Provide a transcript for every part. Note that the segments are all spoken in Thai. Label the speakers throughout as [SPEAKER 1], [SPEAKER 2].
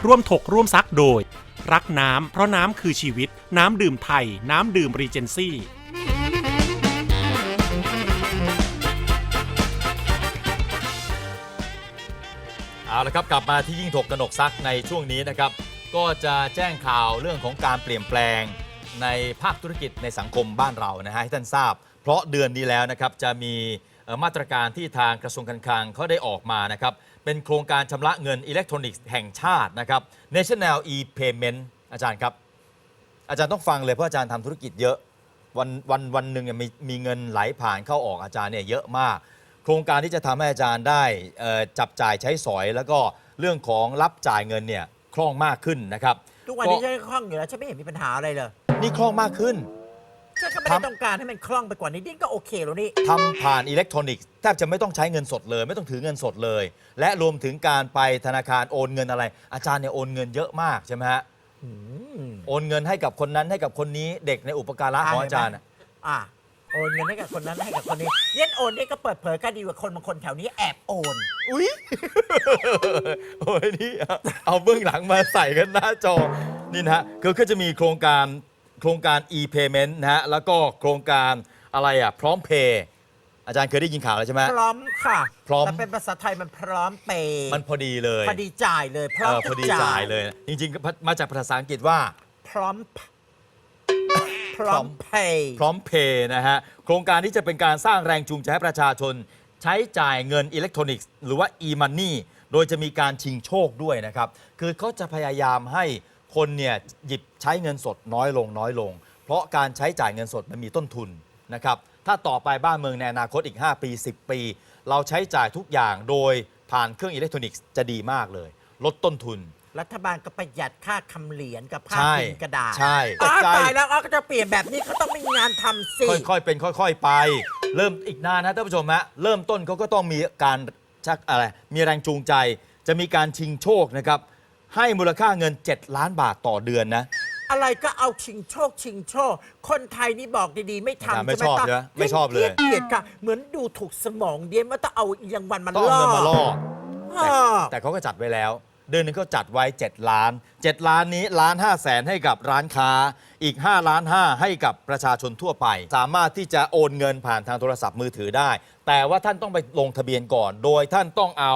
[SPEAKER 1] ร่วมถกร่วมซักโดยรักน้ำเพราะน้ำคือชีวิตน้ำดื่มไทยน้ำดื่มรีเจนซี่
[SPEAKER 2] เอาละครับกลับมาที่ยิ่งถกกนกซักในช่วงนี้นะครับก็จะแจ้งข่าวเรื่องของการเปลี่ยนแปลงในภาคธุรกิจในสังคมบ้านเรานะฮะให้ท่านทราบเพราะเดือนนี้แล้วนะครับจะมีมาตรการที่ทางกระทรวงการคลังเขาได้ออกมานะครับเป็นโครงการชำระเงินอิเล็กทรอนิกส์แห่งชาตินะครับ National e-Payment อาจารย์ครับอาจารย์ต้องฟังเลยเพราะอาจารย์ทำธุรกิจเยอะวันหนึ่งมีเงินไหลผ่านเข้าออกอาจารย์เนี่ยเยอะมากโครงการที่จะทำให้อาจารย์ได้จับจ่ายใช้สอยแล้วก็เรื่องของรับจ่ายเงินเนี่ยคล่องมากขึ้นนะครับ
[SPEAKER 3] ทุกวันนี้ใช้คล่องอยู่แล้วฉันไม่เห็นมีปัญหาอะไรเลย
[SPEAKER 2] นี่คล่องมากขึ้น
[SPEAKER 3] ฉันก็ไม่ได้ต้องการให้มันคล่องไปกว่านี้ดิ้นก็โอเคแล้วนี่
[SPEAKER 2] ทำผ่านอิเล็กทรอนิกส์แทบจะไม่ต้องใช้เงินสดเลยไม่ต้องถือเงินสดเลยและรวมถึงการไปธนาคารโอนเงินอะไรอาจารย์เนี่ยโอนเงินเยอะมากใช่ไหมฮะโอนเงินให้กับคนนั้นให้กับคนนี้เด็กในอุปการะของอาจารย์
[SPEAKER 3] โอนเงินให้กับคนนั้นให้กับคนนี้เย็นโอนนี่ก็เปิดเผยกันดีกว่าคนบางคนแถวนี้แอบโอน
[SPEAKER 2] อุ้ยโอ้ยนี่เอาเบื้องหลังมาใส่กันหน้าจอนี่นะฮะคือจะมีโครงการ e-payment นะฮะแล้วก็โครงการอะไรพร้อมเพย์อาจารย์เคยได้ยินข่าวแล้วใช่ไหม
[SPEAKER 3] พร้อมค่ะ
[SPEAKER 2] พร้อม
[SPEAKER 3] แต่เป็นภาษาไทยมันพร้อมเปย์
[SPEAKER 2] มันพอดีเลย
[SPEAKER 3] พอดีจ่ายเลยพร้อม
[SPEAKER 2] จ่ายเลยจริงๆมาจากภาษาอังกฤษว่า
[SPEAKER 3] พร้อมเพ
[SPEAKER 2] ย์นะฮะโครงการที่จะเป็นการสร้างแรงจูงใจให้ประชาชนใช้จ่ายเงินอิเล็กทรอนิกส์หรือว่า e-money โดยจะมีการชิงโชคด้วยนะครับคือเขาจะพยายามให้คนเนี่ยหยิบใช้เงินสดน้อยลงเพราะการใช้จ่ายเงินสดมันมีต้นทุนนะครับถ้าต่อไปบ้านเมืองในอนาคตอีก5 ปี 10 ปีเราใช้จ่ายทุกอย่างโดยผ่านเครื่องอิเล็กทรอนิกส์จะดีมากเลยลดต้นทุน
[SPEAKER 3] รัฐบาลก็ประหยัดค่าคำเหรียญกับค่าพิมพ์กระดาษ
[SPEAKER 2] ใช่
[SPEAKER 3] ตายแล้วก็จะเปลี่ยนแบบนี้เขาต้องมีงานทำสิ
[SPEAKER 2] ค่อยๆเป็นค่อยๆไปเริ่มอีกนานนะท่านผู้ชมฮะเริ่มต้นเขาก็ต้องมีการชักอะไรมีแรงจูงใจจะมีการชิงโชคนะครับให้มูลค่าเงิน7 ล้านบาทต่อเดือนนะ
[SPEAKER 3] อะไรก็เอาชิงโชคคนไทยนี่บอกดีๆไม่ทำ
[SPEAKER 2] ไม่ชอบใช่ไหมไม่ชอบเลย
[SPEAKER 3] เกลียดค่ะเหมือนดูถูกสมองเดียนว่าต้องเอาอย่างวันมันล่
[SPEAKER 2] อแต่เขาก็จัดไว้แล้วเดือนนึงก็จัดไว้7 ล้านนี้1,500,000ให้กับร้านค้าอีก5.5 ล้านให้กับประชาชนทั่วไปสามารถที่จะโอนเงินผ่านทางโทรศัพท์มือถือได้แต่ว่าท่านต้องไปลงทะเบียนก่อนโดยท่านต้องเอา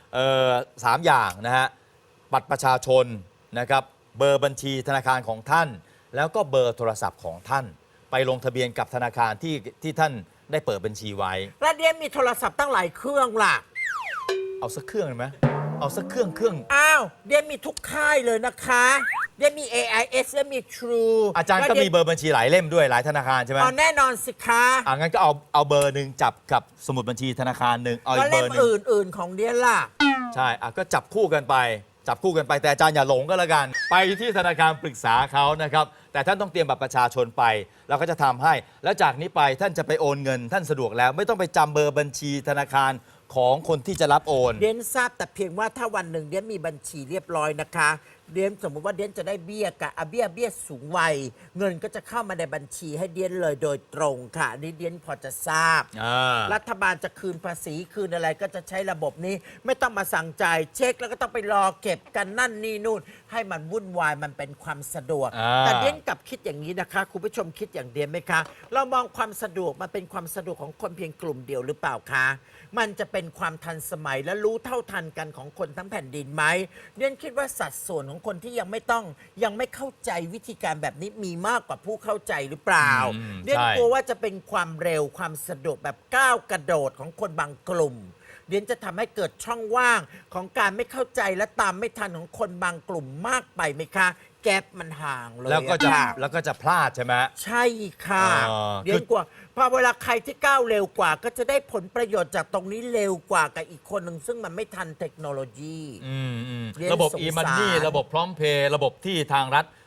[SPEAKER 2] 3 อย่างนะฮะบัตรประชาชนนะครับเบอร์บัญชีธนาคารของท่านแล้วก็เบอร์โทรศัพท์ของท่านไปลงทะเบียนกับธนาคารที่ท่านได้เปิดบัญชีไว้
[SPEAKER 3] แล้วเดียมีโทรศัพท์ตั้งหลายเครื่องล่ะ
[SPEAKER 2] เอาสักเครื่องได้ไหมเอาสักเครื่อง
[SPEAKER 3] อ้าวเดียมีทุกค่ายเลยนะคะเดียมี AIS และมี True
[SPEAKER 2] อาจารย์ก็มีเบอร์บัญชีหลายเล่มด้วยหลายธนาคารใช่ไหม
[SPEAKER 3] แน่นอนสิคะ
[SPEAKER 2] งั้นก็เอาเบอร์หนึ่งจับกับสมุดบัญชีธนาคารหนึ่งเอาอีกเบอร์นึง
[SPEAKER 3] อื่นของเดียล่ะ
[SPEAKER 2] ใช่ก็จับคู่กันไปแต่อาจารย์อย่าหลงก็แล้วกันไปที่ธนาคารปรึกษาเขานะครับแต่ท่านต้องเตรียมบัตรประชาชนไปเราก็จะทำให้แล้วจากนี้ไปท่านจะไปโอนเงินท่านสะดวกแล้วไม่ต้องไปจำเบอร์บัญชีธนาคารของคนที่จะรับโอน
[SPEAKER 3] เดียนทราบแต่เพียงว่าถ้าวันหนึ่งเดียนมีบัญชีเรียบร้อยนะคะเดียนสมมติว่าเดียนจะได้เบี้ยกับเบี้ยสูงวัยเงินก็จะเข้ามาในบัญชีให้เดียนเลยโดยตรงค่ะนี่เดียนพอจะทราบรัฐบาลจะคืนภาษีคืนอะไรก็จะใช้ระบบนี้ไม่ต้องมาสั่งจ่ายเช็คแล้วก็ต้องไปรอเก็บกันนั่นนี่นู่นให้มันวุ่นวายมันเป็นความสะดวกแต่เดียนกลับคิดอย่างนี้นะคะคุณผู้ชมคิดอย่างเดียนไหมคะเรามองความสะดวกมันเป็นความสะดวกของคนเพียงกลุ่มเดียวหรือเปล่าคะมันจะเป็นความทันสมัยและรู้เท่าทันกันของคนทั้งแผ่นดินไหมเดียนคิดว่าสัดส่วนของคนที่ยังไม่เข้าใจวิธีการแบบนี้มีมากกว่าผู้เข้าใจหรือเปล่าเดียนกลัวว่าจะเป็นความเร็วความสะดวกแบบก้าวกระโดดของคนบางกลุ่มเดียนจะทำให้เกิดช่องว่างของการไม่เข้าใจและตามไม่ทันของคนบางกลุ่มมากไปไหมคะแก๊ปมันห่างเลย
[SPEAKER 2] แล้วก็จะพลาดใช่ไหม
[SPEAKER 3] ใช่ค่ะเดียนกลัวพอเวลาใครที่ก้าวเร็วกว่าก็จะได้ผลประโยชน์จากตรงนี้เร็วกว่ากับอีกคนหนึ่งซึ่งมันไม่ทันเทคโนโลยี
[SPEAKER 2] ระบบ e-money ระบบพร้อมเพย์ระบบที่ทางรัฐ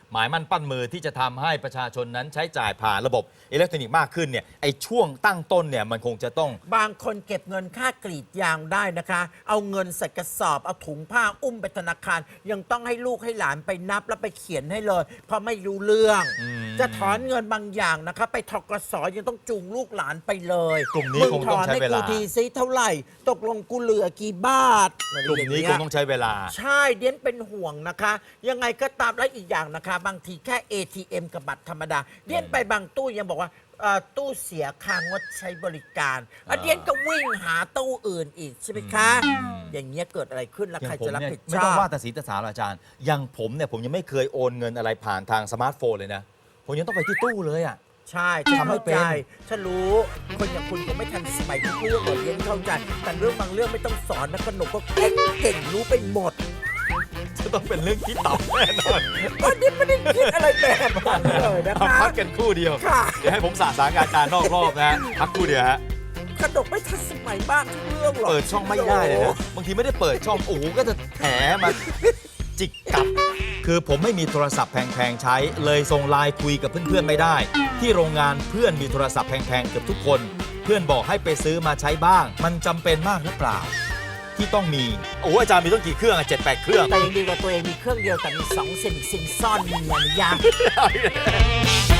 [SPEAKER 2] หมายมั่นปั้นมือที่จะทำให้ประชาชนนั้นใช้จ่ายผ่านระบบอิเล็กทรอนิกส์มากขึ้นเนี่ยไอ้ช่วงตั้งต้นเนี่ยมันคงจะต้อง
[SPEAKER 3] บางคนเก็บเงินค่ากรีดยางได้นะคะ เอาเงินใส่กระสอบเอาถุงผ้าอุ้มไปธนาคาร ยังต้องให้ลูกให้หลานไปนับแล้วไปเขียนให้เลย เพราะไม่รู้เรื่อง จะถอนเงินบางอย่างนะคะ ไปธกสยังต้องจูงลูกหลานไปเลย
[SPEAKER 2] กลุ่มนี้
[SPEAKER 3] มึ
[SPEAKER 2] คงต้องใช้เวลา
[SPEAKER 3] ถอนให้กูทีซิเท่าไหร่ ตกลงกูเหลือกี่บาท
[SPEAKER 2] กลุ่มนี้คงต้องใช้เวลา
[SPEAKER 3] ใช่เดียนเป็นห่วงนะคะ ยังไงก็ตามและอีกอย่างนะคะ บางทีแค่ ATM กับบัตรธรรมดา เดียนไปบางตู้ยังบอกว่าตู้เสียค่างดใช้บริการเดียนก็วิ่งหาตู้อื่นอีกใช่ไหมคะ อย่างเงี้ยเกิดอะไรขึ้นแล้ว
[SPEAKER 2] อย่า
[SPEAKER 3] ใครง
[SPEAKER 2] ผม
[SPEAKER 3] จะรับ
[SPEAKER 2] เนี่ย
[SPEAKER 3] ผิด
[SPEAKER 2] ไม่
[SPEAKER 3] ช
[SPEAKER 2] ต้
[SPEAKER 3] อ
[SPEAKER 2] อง
[SPEAKER 3] บ
[SPEAKER 2] ว่าแต่สีตาสาหรอกอาจารย์อย่างผมเนี่ยผมยังไม่เคยโอนเงินอะไรผ่านทางสมาร์ทโฟนเลยนะผมยังต้องไปที่ตู้เลยอ่ะ
[SPEAKER 3] ใช่ฉัน
[SPEAKER 2] ทำไม่
[SPEAKER 3] เข้า
[SPEAKER 2] เป็น
[SPEAKER 3] ใจฉันรู้คนอย่างคุณคงไม่ทันสมัยทุกเรื่องหรอกเดียนเข้าใจแต่เรื่องบางเรื่องไม่ต้องสอนนะขนมก็เก่งรู้ไปหมด
[SPEAKER 2] จะต้องเป็นเรื่องที่ต่ำแน่นอน
[SPEAKER 3] ก็เดียนไม่ได้คิดอะไรแบบนั้นเลยนะ
[SPEAKER 2] เอา
[SPEAKER 3] คะ
[SPEAKER 2] พักกันครู่เดียว
[SPEAKER 3] ค่ะ
[SPEAKER 2] เดี๋ยวให้ผมสาสางอาจารย์นอกรอบนะฮะพักครู่เดียวฮะ
[SPEAKER 3] ขนมไม่ทันสมัยมากทุกเรื่องหรอก
[SPEAKER 2] เปิดช่องไม่ได้เลยนะบางทีไม่ได้เปิดช่องโอ้โหก็จะแถมาจิกกัดคือผมไม่มีโทรศัพท์แพงๆใช้ เลยส่งไลน์คุยกับเพื่อนๆไม่ได้ ที่โรงงานเพื่อนมีโทรศัพท์แพงๆเกือบทุกคน เพื่อนบอกให้ไปซื้อมาใช้บ้าง มันจำเป็นมากหรือเปล่า ที่ต้องมีโอ้อาจารย์มีต้องกี่เครื่องอะ7-8 เครื่อง
[SPEAKER 3] แต่ยังดีกว่าตัวเองมีเครื่องเดียวแต่มี2 ซิมซ่อนเมียนะยา